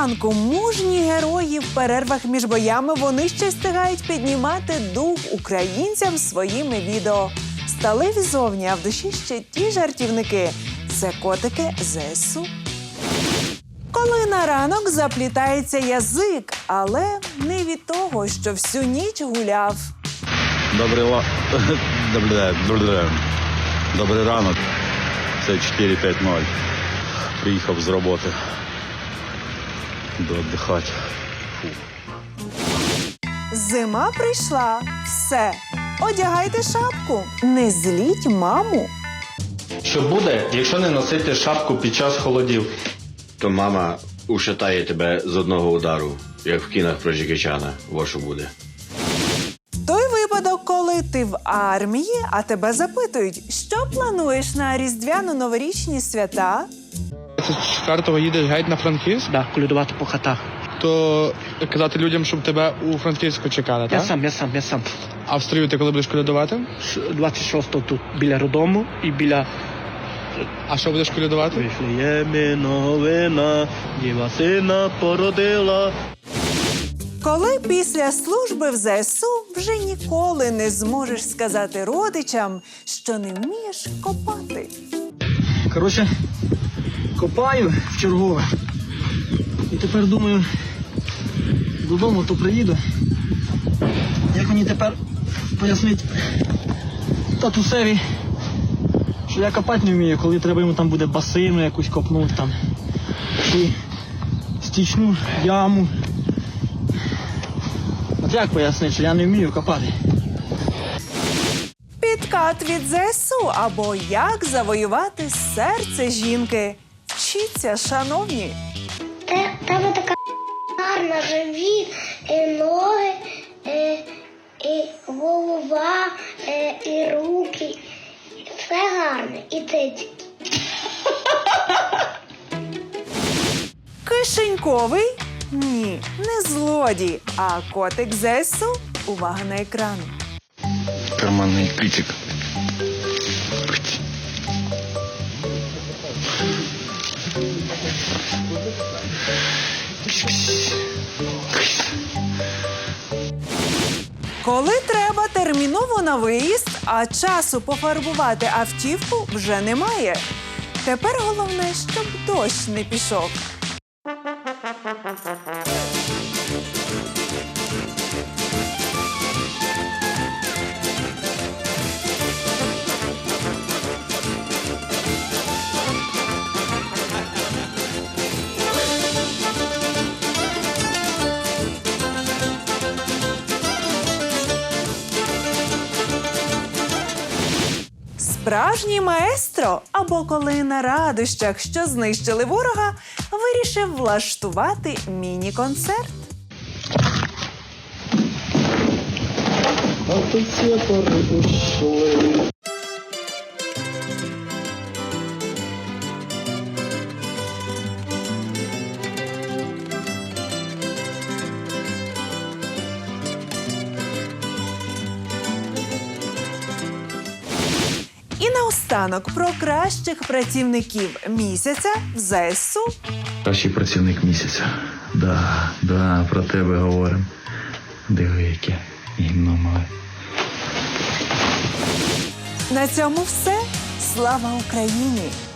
ранку мужні герої в перервах між боями вони ще встигають піднімати дух українцям своїми відео. Сталеві зовні, а в душі ще ті жартівники. Це котики ЗСУ. Коли на ранок заплітається язик, але не від того, що всю ніч гуляв. Добрий ранок. Це 4:50. Приїхав з роботи. До віддихати. Зима прийшла. Все. Одягайте шапку. Не зліть маму. Що буде, якщо не носити шапку під час холодів? То мама ушатає тебе з одного удару, як в кінах про Джекі Чана. Во що буде. Той випадок, коли ти в армії, а тебе запитують, що плануєш на різдвяно-новорічні свята? Ти з Харкова їдеш геть на Франківськ? Да, колядувати по хатах. То казати людям, щоб тебе у Франківську чекали, так? Я сам. А в стрію ти коли будеш колядувати? 26-го тут біля роддому і біля... А що будеш колядувати? Вифлеємі новина, діва сина породила. Коли після служби в ЗСУ вже ніколи не зможеш сказати родичам, що не вмієш копати. Коротше, копаю в чергове. І тепер думаю, додому то приїду. Як мені тепер пояснити татусеві, що я копати не вмію, коли треба йому там буде басину якусь копнути там. Чи стічну яму. От як пояснити, що я не вмію копати? Підкат від ЗСУ або як завоювати серце жінки. Вчіться, шановні. Тебе така гарна живіт, і ноги, і голова, і руки. Все гарне. І ти. Кишеньковий? Ні, не злодій, а котик ЗСУ. Увага на екран. Карманний ключик. Коли треба терміново на виїзд, а часу пофарбувати автівку вже немає. Тепер головне, щоб дощ не пішов. Справжній маестро, або коли на радощах, що знищили ворога, вирішив влаштувати міні-концерт. І наостанок про кращих працівників місяця в ЗСУ. Кращий працівник місяця. Да, про тебе говоримо. Диви, яке гімно мале. На цьому все. Слава Україні!